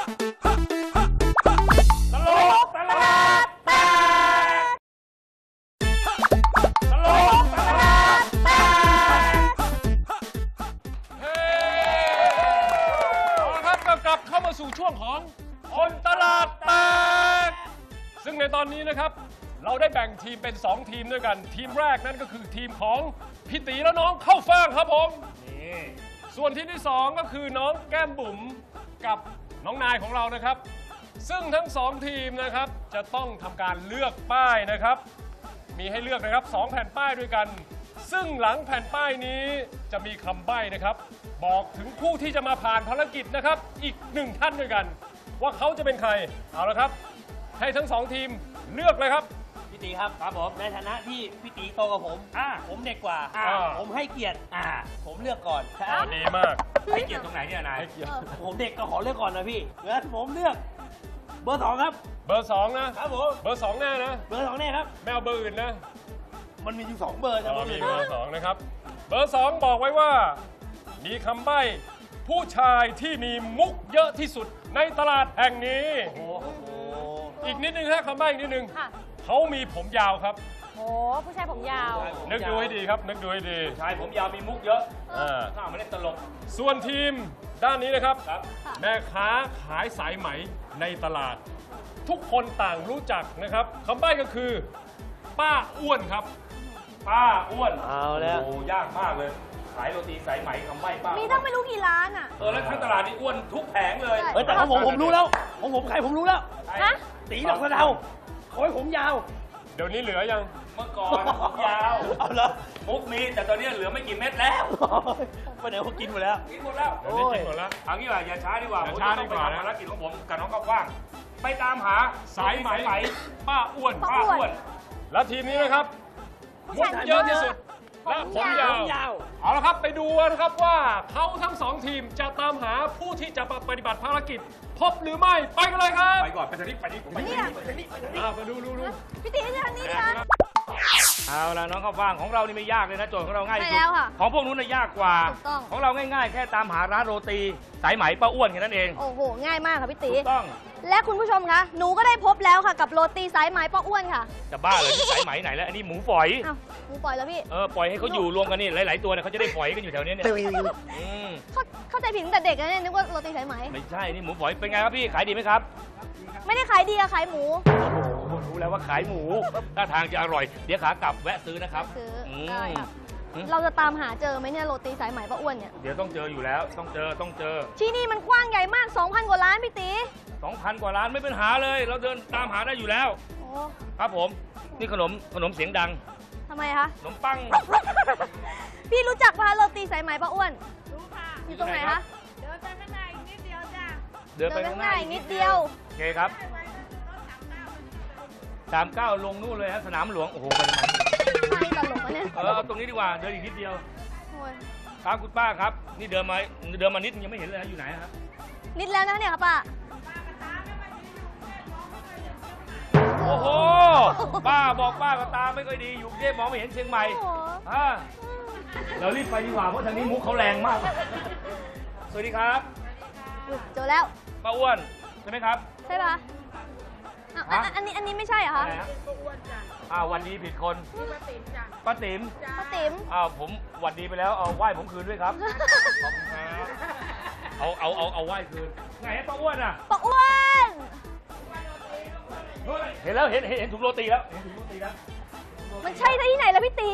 Speaker 5: ตลกตลาดแตกตลกตลาดแตกเฮ้เอาละครับก็กลับเข้ามาสู่ช่วงของคนตลาดแตกซึ่งในตอนนี้นะครับ เราได้แบ่งทีมเป็น 2 ทีมด้วยกัน ทีมแรกนั่นก็คือทีมของพี่ตีและน้องเข้าฟ่างครับผมส่วนทีมที่ 2 ก็คือน้องแก้มบุ๋มกับน้องนายของเรานะครับ ซึ่งทั้ง 2 ทีมนะครับจะต้องทำการเลือกป้ายนะครับ มีให้เลือกนะครับ 2 แผ่นป้ายด้วยกัน ซึ่งหลังแผ่นป้ายนี้จะมีคำใบ้นะครับ บอกถึงผู้ที่จะมาผ่านภารกิจนะครับ อีก 1 ท่านด้วยกัน ว่าเขาจะเป็นใครเอาละครับ ให้ทั้ง 2 ทีมเลือกเลยครับ
Speaker 3: พี่ตีครับผมในฐานะที่พี่ตีโตกว่าผมผมเด็กกว่า ผมให้เกียรติผมเลือกก่อน
Speaker 5: ดีมาก
Speaker 7: ให้เกียรติตรงไหนเนี่ยนาย
Speaker 5: ให้เกียรติ
Speaker 3: ผมเด็กก็ขอเลือกก่อนนะพี่งั้นผมเลือกเบอร์ 2 ครับ
Speaker 5: เบอร์ 2 นะครับ
Speaker 3: ผม
Speaker 5: เบอร์ 2 แน่นะ
Speaker 3: เบอร์ 2แน่ครับ
Speaker 5: ไม่เอาเบอร์อื่นนะ
Speaker 3: มันมีอยู่2เบอร์นะ
Speaker 5: อ๋อ
Speaker 3: เบอร์
Speaker 5: มี
Speaker 3: อื่น
Speaker 5: เบอร์ 2 นะครับ เบอร์ 2 บอกไว้ว่า มีคำใบ้ผู้ชายที่มีมุกเยอะที่สุดในตลาดแห่งนี้
Speaker 3: โอ้โห
Speaker 5: อีกนิดนึงฮะคำใบ้อีกนิดนึง
Speaker 1: ๆค่ะ
Speaker 5: เขามีผมยาวครับ
Speaker 1: โอ้ผู้ชายผมยาว
Speaker 5: นึกดูให้ดีครับ นึกดูให้ดี
Speaker 7: ชายผมยาวมีมุกเยอะ
Speaker 5: อ่า
Speaker 7: ข้าไม่ได้ตลก
Speaker 5: ส่วนทีมด้านนี้นะครับ แม่ค้าขายสายไหมในตลาด ทุกคนต่างรู้จักนะครับคำใบ้ก็คือ ป้าอ้วนครับ
Speaker 7: ป้าอ้วน
Speaker 3: เอาแล้ว
Speaker 7: โอ้ยากมากเลย ขายโรตีสายไหมคำใบ้ป้า
Speaker 1: มีตั้งไม่รู้กี่ร้านอ่ะ
Speaker 7: แล้วทั้งตลาดนี่อ้วนทุกแผงเลย
Speaker 3: เฮ้ยแต่ของผมรู้แล้วของผมใครผมรู้แล้ว
Speaker 1: ฮะ
Speaker 3: ตีดอกสะเดาเขาให้ผมยาว
Speaker 5: เดี๋ยวนี้เหลือยัง
Speaker 7: เมื่อก่อนผมยาว
Speaker 3: เอาเหรอ
Speaker 7: มุกมีแต่ตอนนี้เหลือไม่กี่เม็ดแล้ว
Speaker 3: ไปไหนเขากินหมดแล้ว
Speaker 7: กินหมดแล้ว
Speaker 5: เดี๋ยวนี้กินหมดแล้ว
Speaker 7: เอางี้ว่าอย่าช้าดีกว่า
Speaker 5: อย่า
Speaker 7: ผม
Speaker 5: ช้า
Speaker 7: จะต้อง
Speaker 5: ดี
Speaker 7: ไป
Speaker 5: กว่า
Speaker 7: ทำ
Speaker 5: นะ
Speaker 7: ภารกิจของผมกับน้องกว้างไปตามหา
Speaker 5: สายไหมป้าอ้วน
Speaker 1: ป้าอ้วน
Speaker 5: และทีมนี้นะครับมุกเยอะที่สุดและผมยาว
Speaker 3: ยาว
Speaker 5: เอาละครับไปดูนะครับว่าเขาทั้งสองทีมจะตามหาผู้ที่จะปฏิบัติภารกิจ พบหรือไม่ไปกันเลยครับ
Speaker 7: ไปก่อนไปทางนี้ไปนี่ไปนี่ไปนี่
Speaker 5: มาดู
Speaker 1: พี่ตีทางนี้ค่ะ
Speaker 3: เอาละน้องข้าวฟ่างของเรานี่ไม่ยากเลยนะโจทย์ของเราง่ายที่สุ
Speaker 1: ใช่
Speaker 3: ด
Speaker 1: แล้วค่ะ
Speaker 3: ของพวกนู้นน่ะยากกว่า
Speaker 1: ถูกต้อง
Speaker 3: ของเราง่ายๆ แค่ตามหาร้านโรตีสายไหมป้าอ้วนแค่นั้นเอง
Speaker 8: โอ้โห ง่ายมากค่ะพี่ตี
Speaker 3: ถูกต้อง
Speaker 8: และคุณผู้ชมคะ หนูก็ได้พบแล้วค่ะกับโรตีสายไหมป้าอ้วนค่ะ
Speaker 3: จะบ้าเลยที่สายไหมไหนแล้วอันนี้หมูฝอย
Speaker 8: อ้าวหนูปล่อยแล้วพี่
Speaker 3: ปล่อยให้เขาอยู่รวมกันนี่หลายๆตัวเนี่ยเขาจะได้ฝอยกันอยู่แถวนี้เนี่ยอืม
Speaker 8: เข้าใจผิดตั้งแต่เด็กแล้วเนี่ยนึกว่าโรตีสายไหม
Speaker 3: ไม่ใช่นี่หมูฝอยเป็นไงครับพี่ขายดีไหมครับ
Speaker 8: ไม่ได้ขายดีอะขายหมู
Speaker 3: โอ้โหรู้แล้วว่าขายหมูท่าทางจะอร่อยเดี๋ยวขากลับแวะซื้อนะครับ
Speaker 8: ซื้อ
Speaker 3: ม
Speaker 8: ได้ค่ะ เราจะตามหาเจอไหมเนี่ยโรตีสายไหมป้าอ้วนเนี่ย
Speaker 3: เดี๋ยวต้องเจออยู่แล้วต้องเจอ
Speaker 8: ที่นี่มันกว้างใหญ่มาก 2,000 กว่าล้านพี่ตี
Speaker 3: 2,000 กว่าร้านไม่เป็นหาเลย เราเดินตามหาได้อยู่แล้ว
Speaker 8: โอ้
Speaker 3: ครับผมนี่ขนมเสียงดัง
Speaker 8: ทำไมคะ
Speaker 3: ขนมปัง
Speaker 8: พี่รู้จักป่ะโรตีสายไหมป้าอ้วน
Speaker 1: รู้ค่ะ
Speaker 8: อยู่ตรงไหนคะ
Speaker 1: เดินไปข้างในอีกนิดเดียวจ้ะ
Speaker 3: เดินไป
Speaker 8: เดิน
Speaker 3: ข้าง
Speaker 8: ข้าง
Speaker 3: ห
Speaker 8: ห
Speaker 3: น้า
Speaker 8: น้าอีกนิดเดียว
Speaker 3: โอเคครับ39ลงนู่นเลยฮะสนามหลวงโอ้โหไปทำไม
Speaker 8: ป้านี่ตลกนะเนี่ย
Speaker 3: เอาตรงนี้ดีกว่าเดินอีกนิดเดียว
Speaker 8: โอ้ย
Speaker 3: ครับคุณป้าครับ นี่เดินมานิดยังไม่เห็นเลยนะอยู่ไหนครับ
Speaker 8: นิดแล้วนะเนี่ยค่ะป้า
Speaker 3: โอ้โหป้าบอกป้าก็ตาไม่ค่อยดีอยู่กรุงเทพมองไม่เห็นเชียงใหม่
Speaker 8: โอ้โห
Speaker 3: อ่าเรารีบไปดีกว่าเพราะทางนี้มุกเขาแรงมาก สวัสดีครับ
Speaker 8: อุ๊ยเจอแล้ว
Speaker 3: ป้าอ้วนใช่ไหมครับ
Speaker 8: ใช่ปะอ้าว
Speaker 3: ฮะ
Speaker 8: อันนี้ไม่ใช่เหรอคะ
Speaker 3: อะไรฮะวันดีผิดคนป้าติ๋ม
Speaker 8: ป้าติ๋ม
Speaker 3: ผมหวัดดีไปแล้วเอาไหว้ผมคืนด้วยครับขอบคุณครับเอาไหว้คืนไงฮะป้าอ้วนอ่ะ
Speaker 8: ป้าอ้วน
Speaker 3: เห็นแล้วเห็นถุงโรตีแล้วเห็นถุงโรตีแล้ว
Speaker 8: มันใช่ที่ไหนล่ะพี่ตี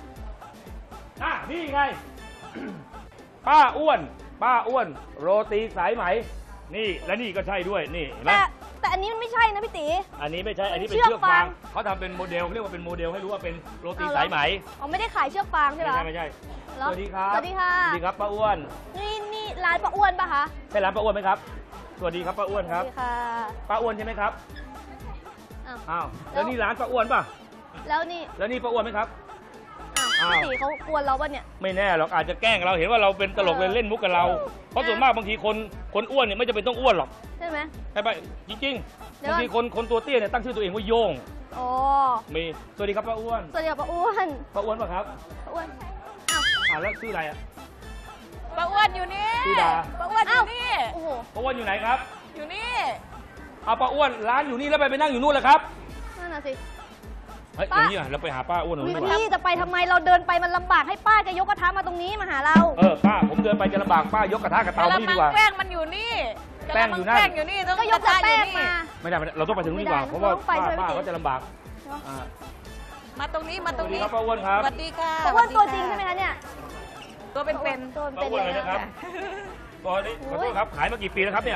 Speaker 3: นี่ไง ป้าอ้วนโรตีสายไหมนี่และนี่ก็ใช่ด้วยนี่เห็นไหม
Speaker 8: แต่อันนี้มันไม่ใช่นะพี่ตี
Speaker 3: อันนี้ไม่ใช่อันนี้เป็น
Speaker 8: เชือก
Speaker 3: เชือกฟาง
Speaker 8: ฟาง
Speaker 3: เขาทำเป็นโมเดลเรียกว่าเป็นโมเดลให้รู้ว่าเป็นโรตี
Speaker 8: เอาเหรอ
Speaker 3: สายไหม
Speaker 8: อ๋อไม่ได้ขายเชือกฟางใช่ปะ
Speaker 3: ไม่ใช่
Speaker 8: เหรอ
Speaker 3: สวัสดีครับ
Speaker 8: สวัสดีค่ะ
Speaker 3: สวัสดีครับป้าอ้วน
Speaker 8: นี่ร้านป้าอ้วนปะคะ
Speaker 3: ใช่ร้านป้าอ้วนไหมครับสวัสดีครับป้าอ้วนครับ
Speaker 8: สวัสดีค่ะ
Speaker 3: ป้าอ้วนใช่ไหมครับ
Speaker 8: อ้าว
Speaker 3: อ้าวแล้วนี่ร้านป้าอ้วนป่ะ
Speaker 8: แล้วนี่
Speaker 3: แล้วนี่ป้าอ้วนไหมครับ
Speaker 8: อ้าว
Speaker 3: อ้าว
Speaker 8: พี่ตีเขากวนเราปะเนี่ย
Speaker 3: ไม่แน่หรอกอาจจะแกล้งเราเห็นว่าเราเป็นตลกเลยเล่นมุกกับเรา เพราะส่วนมากบางทีคนอ้วนเนี่ยไม่จำเป็นต้องอ้วนหรอก
Speaker 8: ใช่ไหม
Speaker 3: ใช่ปะจริง
Speaker 8: เดี๋
Speaker 3: ๆ
Speaker 8: ยว
Speaker 3: บางทีคนตัวเตี้ยเนี่ยตั้งชื่อตัวเองว่าโยง
Speaker 8: อ๋อ
Speaker 3: มีสวัสดีครับป้าอ้วน
Speaker 8: สวัสดีค่ะป้าอ้วน
Speaker 3: ป้าอ้วนป่ะครับ
Speaker 8: ป้าอ้วน
Speaker 3: แล้วชื่ออะไรอ่ะ
Speaker 1: ป้าอ้วนอยู่นี่
Speaker 3: ชื่อดา
Speaker 1: ป้าอ้วนอยู่นี่
Speaker 8: โอ้โห
Speaker 3: ป้าอ้วนอยู่ไหนครับ
Speaker 1: อยู่นี่
Speaker 3: เอาป้าอ้วนร้านอยู่นี่แล้วไปนั่งอยู่นู่นเลยครับ
Speaker 8: นั่นน่ะสิ
Speaker 3: เฮ้ยอ
Speaker 8: ป้า
Speaker 3: ย่างนี้อ่ะเราไปหาป้าอ้วนตรงนู้นดีกว่า
Speaker 8: พี่จะไปทำไมเราเดินไปมันลำบากให้ป้าแกยกกระทะมาตรงนี้มาหาเรา
Speaker 3: ป้าผมเดินไปจะลำบากป้ายกกระทะกับเตามานี่ดีกว่า
Speaker 1: แป้งมันอยู่นี่
Speaker 3: แป้งอยู่นั่น
Speaker 1: แป้งอยู่นี่ต้อง
Speaker 8: ก็ยกแต่แป้งมา
Speaker 3: ไม่ได้เราต้องไปถึงนู่นดีกว่า
Speaker 8: ไม่ได้
Speaker 3: เพราะว่า
Speaker 8: เราต้องไป
Speaker 3: ป้า
Speaker 8: ใช่ไหม
Speaker 3: ป้า
Speaker 8: พี่
Speaker 3: ก็จะลำบากอ่า
Speaker 1: มาตรงนี้มา
Speaker 3: ส
Speaker 1: ตร
Speaker 3: วั
Speaker 1: ง
Speaker 3: สดี
Speaker 1: นี้
Speaker 3: ครับป้าอ้วนครับ
Speaker 1: สวัสดีค่ะ
Speaker 8: ป้าอ้วนตัวจริงใช่ไหมคะเนี่ย
Speaker 1: ตัวเป็น
Speaker 8: ตัว
Speaker 3: ป้า
Speaker 8: เป็น
Speaker 3: อ้วน
Speaker 8: เล
Speaker 3: เลย ย
Speaker 8: นะ
Speaker 3: นะครับตอนนี้ขอโทษครับขายมากี่ปีแล้วครับเนี่ย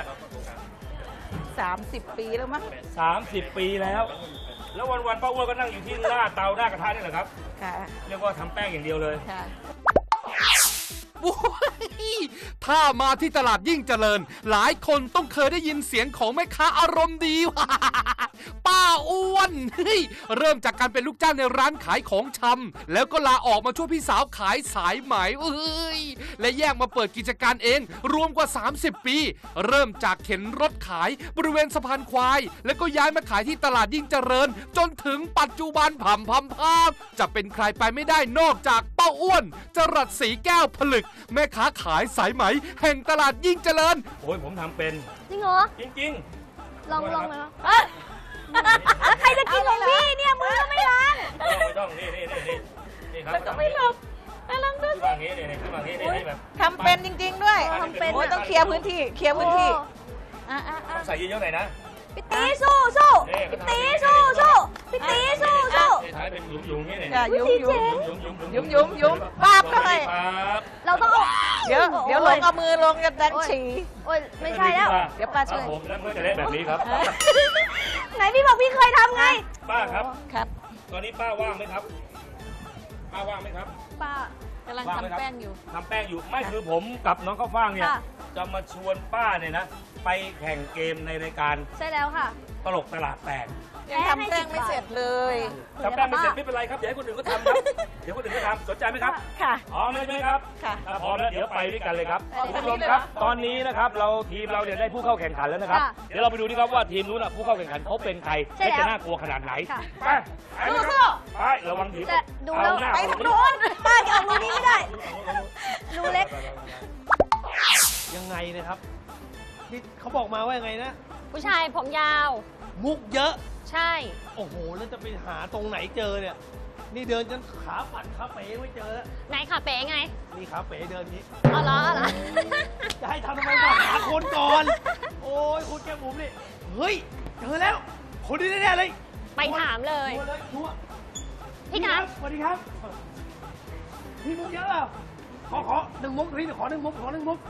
Speaker 1: 30 ปีแล้วมั้ง
Speaker 3: 30 ปีแล้ว แล้ววันๆป้าอ้วนก็นั่งอยู่ที่หน้าเตาหน้ากระทะนี่แหละครับ
Speaker 1: ค่ะ
Speaker 3: เรียกว่าทำแป้งอย่างเดียวเลย
Speaker 1: ค่ะ
Speaker 9: โอ้ยถ้ามาที่ตลาดยิ่งเจริญ หลายคนต้องเคยได้ยินเสียงของแม่ค้าอารมณ์ดี ป้าอ้วนเฮ้ยเริ่มจากการเป็นลูกจ้างในร้านขายของชำแล้วก็ลาออกมาช่วยพี่สาวขายสายไหมเอ้ยและแยกมาเปิดกิจการเองรวมกว่า 30 ปี เริ่มจากเข็นรถขายบริเวณสะพานควาย แล้วก็ย้ายมาขายที่ตลาดยิ่งเจริญ จนถึงปัจจุบันผำพำภาพจะเป็นใครไปไม่ได้นอกจากป้าอ้วนจรัสศรีแก้วผลึกแม่ค้าขายสายไหมแห่งตลาดยิ่งเจริญ
Speaker 3: โอ้ยผมทำเป็น
Speaker 8: จริงเหรอ
Speaker 3: จริง
Speaker 8: ลองไหมวะแล้วใครจะกินของพี่เนี่ยมือก็ไม่ล้าง
Speaker 3: ๆไม่ต้องนี่ครับ
Speaker 1: มันก็ไม่หลบลองดู
Speaker 3: ขึ้นมาอย่างนี้นี่ขึ้นมาอย่างนี้นี่แบบ
Speaker 1: ทำเป็นจริง ๆ ด้วย
Speaker 8: ทำเป็น
Speaker 1: โอ้ยต้องเคลียร์พื้นที่เคลียร์พื้นที่อ่ะ
Speaker 3: ต้องใส่เยอะๆหน่อยนะ
Speaker 8: พี่ตีสู้สู้พี่ตีสู้สู้พี่ตีสู้สู้
Speaker 3: ใช้เป็นหยุมๆอย่างนี้
Speaker 1: อย่า
Speaker 3: นี่
Speaker 1: ยุ่มยุ้มปาบเข้าไป
Speaker 3: ครับ
Speaker 8: เราต้องเอา
Speaker 1: เดี๋ยวลงเอามือลงจะดันฉี่
Speaker 8: โอ้ยไม่ใช่แล้ว
Speaker 1: เดี๋ยวป้าช่วย
Speaker 3: ครับผมแล้วก็จะได้แบบนี้ครับ
Speaker 8: ไหนพี่บอกพี่เคยทำไง
Speaker 3: ป้าครับ
Speaker 1: ครับ
Speaker 7: ตอนนี้ป้าว่างไหมครับป้าว่างไหมครับ
Speaker 8: ป้ากำลัง
Speaker 7: ว่างไหมครับ
Speaker 8: ทำแป้งอยู่
Speaker 7: ทำแป้งอยู่ไม่คือผมกับน้องข้าวฟ่างเนี่ย
Speaker 8: ค่ะ
Speaker 7: จะมาชวนป้าเนี่ยนะไปแข่งเกมในรายการ
Speaker 8: ใช่แล้วค่ะ
Speaker 7: ตลกตลาดแตก
Speaker 8: ยังทำแป้งไม่เสร็จเลย
Speaker 7: ทำแป้งไม่เสร็จไม่เป็นไรครับเดี๋ยวให้คนอื่นก็ทำครับเดี๋ยวคนอื่นก็ทำสนใจไหมครับ
Speaker 8: ค่ะ
Speaker 7: พร้อมแล้วใช่ไหมครับ
Speaker 8: ค่ะ
Speaker 7: ถ้าพร้อมแล้วเดี๋ยวไปด้วยกันเลยครับ
Speaker 8: ไปด้วยกัน
Speaker 7: คุณผู้ชมครับ ตอนนี้นะครับทีมเราเนี่ยได้ผู้เข้าแข่งขันแล้วนะครับ
Speaker 8: ค่ะ
Speaker 7: เดี๋ยวเราไปดูดีครับว่าทีมนู้นน่ะผู้เข้าแข่งขันเขาเป็นใคร
Speaker 8: ใช่แล้ว
Speaker 7: และจะน่ากลัวขนาดไหน
Speaker 8: ค่ะ
Speaker 7: ไปไปเลยค
Speaker 8: สู้
Speaker 7: รับไประวังถีบ
Speaker 8: แต่ดูแล้ว
Speaker 7: เอาหน้า
Speaker 8: ไปทางโน้นป้าจะเอารูนี้ไม่ได้รูเล็ก
Speaker 3: ยังไงนะครับนี่เขาบอกมาว่ายังไงนะ
Speaker 1: ผู้ชายผมยาว
Speaker 3: มุกเยอะ
Speaker 1: ใช่
Speaker 3: โอ้โห แล้วจะไปหาตรงไหนเจอเนี่ย นี่เดินจนขาปัดขาเป๋ไม่เจอแล้ว
Speaker 1: ไหนขาเป๋ไง
Speaker 3: นี่ขาเป๋เดินนี้
Speaker 1: อ๋อเหรออ๋อเหรอ
Speaker 3: จะให้ทำทำไมมาหาคนก่อน โอ้ยคุณแก้มบุ๋มนี่ เฮ้ย เจอแล้ว คนนี้แน่ๆเลย
Speaker 1: ไปถามเลย
Speaker 3: ชัวร์เลยชัวร์
Speaker 1: พี่ครับ
Speaker 3: สวัสดีครับ พี่มุกเยอะเปล่าขอหนึ่งมุกพี่ขอหนึ่งมุก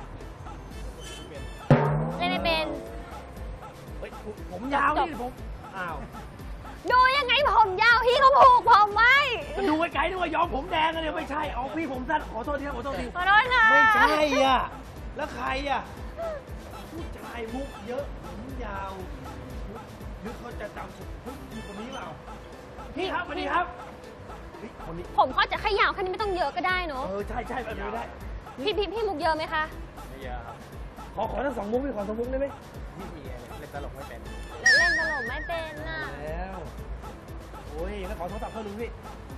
Speaker 1: เล่นไม่เป็น
Speaker 3: เฮ้ยผมยาวนี่ผม อ้าว
Speaker 1: ดูยังไงผมยาวพี่เขาผูกผมไว้
Speaker 3: จะดูไกลๆด้วยยอมผมแดงกันเนี่ยไม่ใช่เอาพี่ผมสั้นขอโทษทีครับขอโทษที
Speaker 1: ขอโทษค่ะ
Speaker 3: ไม่ใช่อ่ะ แล้วใครอ่ะผู้ชายมุกเยอะผมยาวนึกเขาจะจำผมพี่คนนี้เปล่าพี่ครับสวัสดีครับเฮ้ยคนนี้
Speaker 1: ผมเขาจะขยาวแค่นี้ไม่ต้องเยอะก็ได้เนอะ
Speaker 3: ใช่แบบนี้ได้
Speaker 1: พี่มุกเยอะไหมคะ
Speaker 3: ขอทั้งสองมุกพี่ขอสองมุกได้ไหมพี่มีเล่นตลกไม่เป็น
Speaker 1: เล่นตลกไม่เป็นน่ะ
Speaker 3: แล้วโอ้ยแล้วขอโทรศัพท์เพิ่มหนึ่งพี่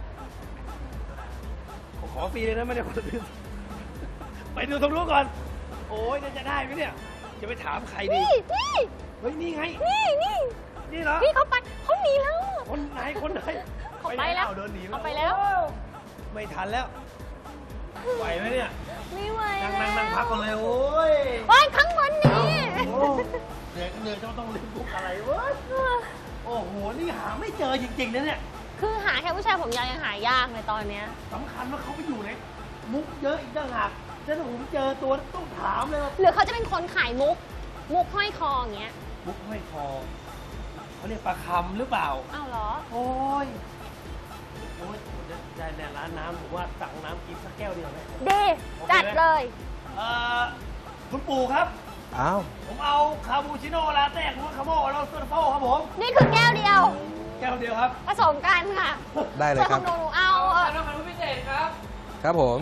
Speaker 3: ขอฟรีเลยนะไม่ได้ขอซื้อไปดูตรงนู้นก่อนโอ้ยจะได้ไหมเนี่ยจะไปถามใครดี
Speaker 1: พี่
Speaker 3: เฮ้ยนี่ไง นี่เหรอ
Speaker 1: พี่เขาไปเขาหนีแล้ว
Speaker 3: คนไหน
Speaker 1: เขาไปแล้ว
Speaker 3: เดินหนี
Speaker 1: เขาไปแล้ว
Speaker 3: ไม่ทันแล้วไหวไหมเนี่ย
Speaker 1: ไม่ไหว
Speaker 3: นั่งพักก่อนเลยโอ้ย
Speaker 1: โอ้ยข้างบนหนี่
Speaker 3: เหนื่อยต้องเล่นมุกอะไรวะโอ้โหนี่หาไม่เจอจริงๆนะเนี่ย
Speaker 1: คือหาแค่ผู้ชายผมยาวยังหายากเลยตอนเนี้ย
Speaker 3: สำคัญว่าเขาไปอยู่ในมุกเยอะอีกต่างหากแล้วถ้าผมเจอตัวต้องถามเลยว่า
Speaker 1: หรือเขาจะเป็นคนขายมุกห้อยคออย่างเงี้ย
Speaker 3: มุกไม่พอเขาเรียกปลาคำหรือเปล่า
Speaker 1: อ้าวเหรอ
Speaker 3: โอ้ยผมจะได้ในร้านน้ำผมว่าสั่งน้ำกินสักแก้วเดียวไหม
Speaker 1: ดีจัดเลย
Speaker 3: คุณปู่ครับ
Speaker 4: อ้าว
Speaker 3: ผมเอาคาปูชิโน่ลาเต้คุณคาโม่แล้วโซดาโฟครับผม
Speaker 1: นี่คือแก้วเดียว
Speaker 3: แก้วเดียวครับ
Speaker 1: ผสมกันค่ะ
Speaker 4: ได้เลยครับ
Speaker 1: ส่วนของหนูเอา
Speaker 3: น้ำมันพิเศษครับ
Speaker 4: ครับผม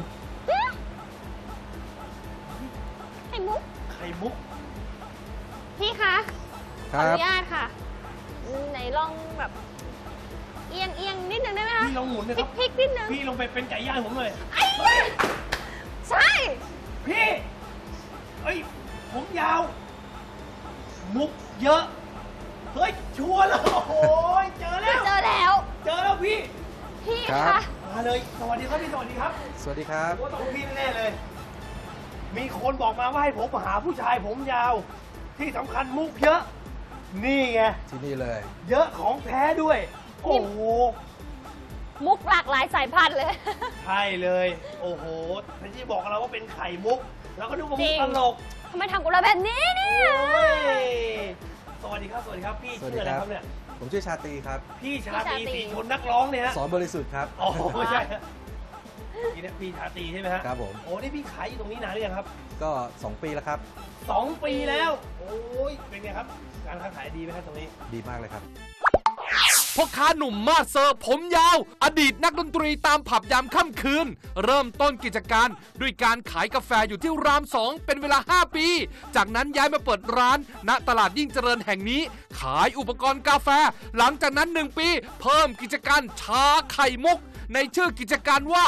Speaker 1: ไข่มุก
Speaker 3: ไข่มุก
Speaker 1: พี่คะ
Speaker 4: ค
Speaker 1: ขอ
Speaker 4: รั
Speaker 1: อบ นุญาตค่ะ ไหนลองแบบ เอียงนิดนึงได้ไหมคะ
Speaker 3: พี่ลองหมุนเลยครับ
Speaker 1: พลิกนิดนึง
Speaker 3: พี่ลงไปเป็นไก่ย่างผมเลย
Speaker 1: ไอ้ใช่
Speaker 3: พี่เอ้ยผมยาว มุกเยอะ เฮ้ย ชัวร์แล้วโอ้โหเจอแล้ว
Speaker 1: เจอแล้ว
Speaker 3: เจอแล้วพี่
Speaker 1: พี่
Speaker 4: ครั
Speaker 1: คะ
Speaker 4: บ
Speaker 3: มาเลย สวัสดีครับพี่ สวัสดีครับ
Speaker 4: สวัสดีครับ
Speaker 3: ว่าต้องพี่แน่ๆเลย มีคนบอกมาว่าให้ผมหาผู้ชายผมยาว ที่สำคัญมุกเยอะ นี่ไง
Speaker 4: ที่นี่เลย
Speaker 3: เยอะของแท้ด้วย โอ้โห
Speaker 1: มุกหลากหลายสายพันธุ์เลย
Speaker 3: ใช่เลย โอ้โหท่านที่บอกเราว่าเป็นไข่มุก เราก็ดูว่ามุกตลก
Speaker 1: ทำไมทำกับเราแบบนี้เนี่ย
Speaker 3: โอ้ยสวัสดีครับ สวัสดีครับ พี่
Speaker 4: สวัส
Speaker 3: ชื่
Speaker 4: ดี
Speaker 3: ออะไร
Speaker 4: ค
Speaker 3: ค
Speaker 4: รั
Speaker 3: รับ บเนี่ย
Speaker 4: ผมชื่อชาตรีครับ
Speaker 3: พี่ชาตรีสีชนนักร้องเนี่ยฮะ
Speaker 4: สอนบริสุทธิ์ครับ
Speaker 3: โอ้โหใช่ฮะนี่นะพี่ชาตรีใช่ไหมฮะ
Speaker 4: ครับผม
Speaker 3: โอ้นี่พี่ขายอยู่ตรงนี้นานหรือยังครับ
Speaker 4: ก็ 2 ปีแล้วครับ
Speaker 3: 2 ปีแล้ว โอ้ย เป็นไงครับ การค้าขายดีไหมครับตรงนี้
Speaker 4: ดีมากเลยครับ
Speaker 9: พ่อค้าหนุ่มมาสเซอร์ผมยาว อดีตนักดนตรีตามผับยามค่ำคืน เริ่มต้นกิจการด้วยการขายกาแฟอยู่ที่ราม 2 เป็นเวลา 5 ปี จากนั้นย้ายมาเปิดร้านณตลาดยิ่งเจริญแห่งนี้ ขายอุปกรณ์กาแฟ หลังจากนั้น 1 ปี เพิ่มกิจการชาไข่มุก ในชื่อกิจการว่า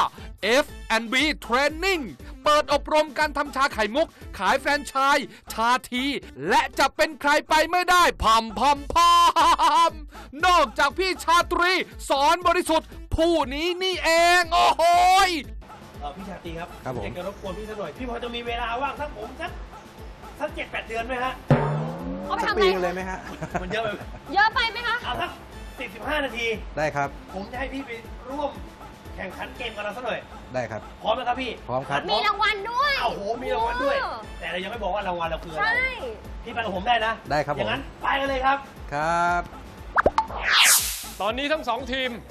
Speaker 9: F&B Training เปิดอบรมการทำชาไข่มุก ขายแฟรนไชส์ชาที และจะเป็นใครไปไม่ได้พัมนอกจากพี่ชาตรีสอนบริสุทธิ์ ผู้นี้นี่เอง โอ้โหย
Speaker 3: พี่ชาตรีครับ
Speaker 4: ครับผม
Speaker 3: อยากจะรบกวนพี่สักหน่อย พี่พอจะมีเวลาว่างสักผมสัก7-8 เดือนไหมฮะ
Speaker 1: เขาไป
Speaker 4: สัก
Speaker 1: ทำ
Speaker 4: ปี
Speaker 1: อะไร
Speaker 4: เลยไหมฮะ
Speaker 3: มันเยอะไปไหม
Speaker 1: เยอะไปไหมคะ
Speaker 3: เอาสัก10-15 นาที
Speaker 4: ได้ครับ
Speaker 3: ผมจะให้พี่ไปร่วมแข่งขันเกมกับเราสักหน่อย
Speaker 4: ได้ครับ
Speaker 3: พร้อมไหมครับพี่
Speaker 4: พร้อมครับ
Speaker 1: มีรางวัลด้วย
Speaker 3: โอ้โห มีรางวัลด้วย แต่เรายังไม่บอกว่ารางวัลเราคืออะไร
Speaker 1: ใช่
Speaker 3: พี่ไปกับผมได้นะ
Speaker 4: ได้ครับผม
Speaker 3: อย่างนั้นไปกันเลยครับ
Speaker 4: ครับ
Speaker 5: ตอนนี้ทั้ง 2 ทีม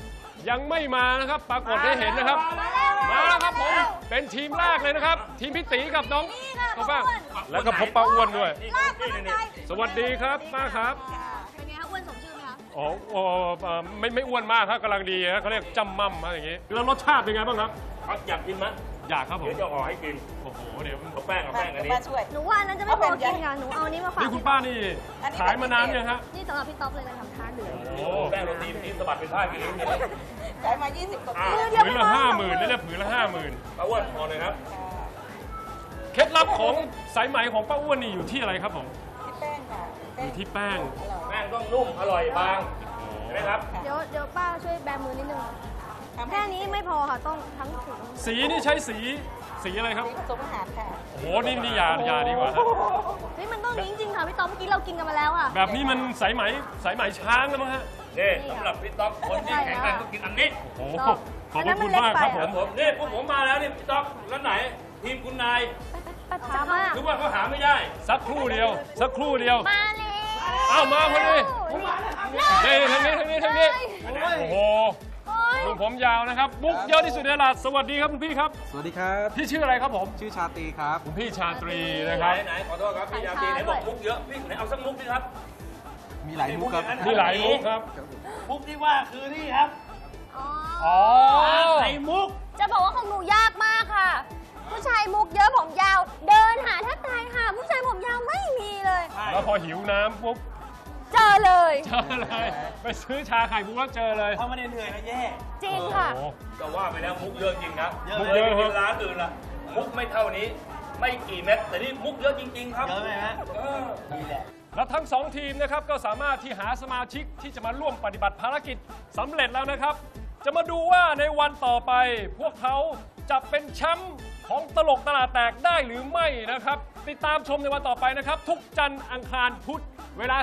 Speaker 5: ยังไม่มานะครับ ปรากฏให้เห็นนะครับ มาแล้วครับผม เป็นทีมแรกเลยนะครับ ทีมพี่ตีกับน้องเขาบ้างแล้วก็พบป้าอ้วนด้วย สวัสดีครับป้าครับ
Speaker 1: เป็นไงคะอ้วนสมชื่อไหมคะ
Speaker 5: อ๋อไม่อ้วนมากครับกำลังดีนะเขาเรียกจำมั่มอะไรอย่างงี้แล้วรสชาติเป็นไงบ้างครับ
Speaker 7: อยากกินไหม
Speaker 5: อยากครับผม
Speaker 7: เดี๋ยวจะห่อให้กิน
Speaker 5: โอ้โหเดี๋ยว
Speaker 7: เอาแป้งอันนี้
Speaker 1: หนูว่าอันนั้นจะไม่พอกินค่ะหนูเอาอันนี้มาฝาก
Speaker 5: นี่คุณป้านี่ขายมานานยังฮะ
Speaker 1: นี่สำหรับพี่ต๊อบเลยนะคะทานเหลือง
Speaker 5: โอ้
Speaker 7: แป้งโรตีสะบัดเป็นผ้ากินเลย
Speaker 6: ขายมา 20 กว่าปี
Speaker 5: ผืนละ50,000นี่นะผืนละ50,000
Speaker 7: ป้าอ้วนพอเลยครับ
Speaker 5: เคล็ดลับของสายไหมของป้าอ้วนนี่อยู่ที่อะไรครับผม
Speaker 6: แป้งค่ะ
Speaker 5: อยู่ที่แป้ง
Speaker 7: แป้งต้องนุ่มอร่อยบางเห็นไหมครับ
Speaker 1: เดี๋ยวป้าช่วยแบมือนิดนึงแค่นี้ไม่พอค่ะต้องทั้งถุง
Speaker 5: สีนี่ใช้สีอะไรครับ
Speaker 6: ผสมอาหารค่ะ
Speaker 5: โอ้โหนี่ยาดีกว่าฮะ
Speaker 1: เฮ้ยมันต้องนี้จริงๆค่ะพี่ต๊อบเมื่อกี้เรากินกันมาแล้วค่ะ
Speaker 5: แบบนี้มันสายไหมช้างแล้วมั้งฮะ
Speaker 7: นี่สำหรับพี่ต๊อกคนที่แข็งแรงต้องกินอันนี้
Speaker 5: โอ้โหขอบพระคุณมากครับผม
Speaker 7: นี่พวกผมมาแล้วนี่พี่ต๊อกแล้วไหน ทีมคุณนาย
Speaker 1: ถามว่า
Speaker 7: หรือว่าเขาหาไม่ได้
Speaker 5: สักครู่เดียว
Speaker 1: มาเลย
Speaker 5: อ้าวมาพอดีนี่ทางนี้โอ้โหลุงผมยาวนะครับบุ๊กเยอะที่สุดในตลาดสวัสดีครับคุณพี่ครับ
Speaker 10: สวัสดีครับ
Speaker 5: พี่ชื่ออะไรครับผม
Speaker 10: ชื่อชาตรีครับ
Speaker 5: คุณพี่ชาตรีนะครับ
Speaker 7: ไหนขอโทษครับพี่ยาตีไหนบอกมุกเยอะพี่ไหนเอาสักมุกดิครับ
Speaker 10: มีหลายมุกครับ
Speaker 5: มีหลายมุกครับ
Speaker 3: มุกที่ว่าคือนี่ครับ
Speaker 5: อ๋อ
Speaker 3: ไข่มุก
Speaker 1: จะบอกว่าของหนูยากมากค่ะ ผู้ชายมุกเยอะผมยาว เดินหาแทบตายค่ะ ผู้ชายผมยาวไม่มีเลย
Speaker 5: แล้วพอหิวน้ำปุ๊บ
Speaker 1: เจอเลย
Speaker 5: เจอเลยไปซื้อชาไข่มุกแล้วเจอเลย
Speaker 3: ถ้าไม่ได้เหนื่อยนะแย่
Speaker 1: จริงค่ะ
Speaker 5: โอ้โห
Speaker 7: ก็ว่าไปแล้วมุกเยอะจริงครับ
Speaker 5: มุกเยอะ
Speaker 7: ไปกินร้านอื่นล่ะมุกไม่เท่านี้ ไม่กี่เม็ดแต่นี่มุกเยอะจริง ๆ ครับ
Speaker 3: เยอะไหมฮะ
Speaker 7: นี่แหละ
Speaker 5: และทั้งสองทีมนะครับก็สามารถที่หาสมาชิกที่จะมาร่วมปฏิบัติภารกิจสำเร็จแล้วนะครับ จะมาดูว่าในวันต่อไป พวกเขาจะเป็นแชมป์ของตลกตลาดแตกได้หรือไม่นะครับ ติดตามชมในวันต่อไปนะครับ ทุกจันทร์อังคารพุธเวลา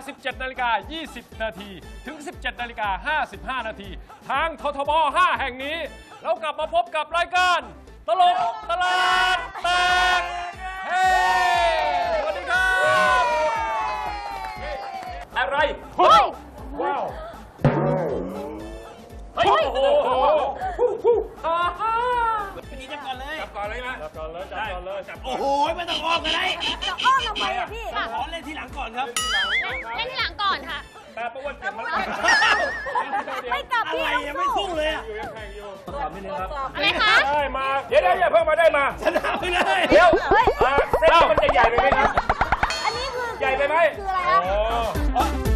Speaker 5: 17:20 นาทีถึง 17:55 นาทีทางททบ 5 แห่งนี้แล้วกลับมาพบกับรายการตลกตลาดแตกเฮ้สวัสดีครับ
Speaker 7: อะไร
Speaker 5: เฮ้ยว้าว
Speaker 7: เฮ้ยโอ้โห
Speaker 3: พี่นี่จับก่อนเลย
Speaker 7: จับก่อนเลยไหม
Speaker 5: จับก่อนเลยจับก่อนเลย
Speaker 7: จับก่
Speaker 3: โอ้
Speaker 7: อน
Speaker 3: โห ไม่ต้องอ้อมกันได้
Speaker 1: จะอ้อมทำไมอะพี่
Speaker 3: ขอเล่นทีหลังก่อนครับ
Speaker 1: เล่นที่หลังก่อนค่ะ
Speaker 5: แต่ประวัติเก็บมัน
Speaker 1: ไม่กลับ
Speaker 3: อะ
Speaker 1: พี่
Speaker 3: ไร
Speaker 1: ต้อง
Speaker 3: ยังไม่สู้เลยอ่ะ
Speaker 5: อยู่ยังแข่งอยู่
Speaker 7: ขอบนิดนึงครับ
Speaker 1: อะไรคะ
Speaker 5: ได้มา
Speaker 7: เดี๋ยวอย่าเพิ่งมาได้มา
Speaker 3: ชนะไปเลย
Speaker 7: เดี๋ยวเส้นมันจะใหญ่ไปไหมครับ
Speaker 1: อันนี้คือ
Speaker 7: ใหญ่ไปไหม
Speaker 1: คืออะไรคะ
Speaker 5: อ๋อ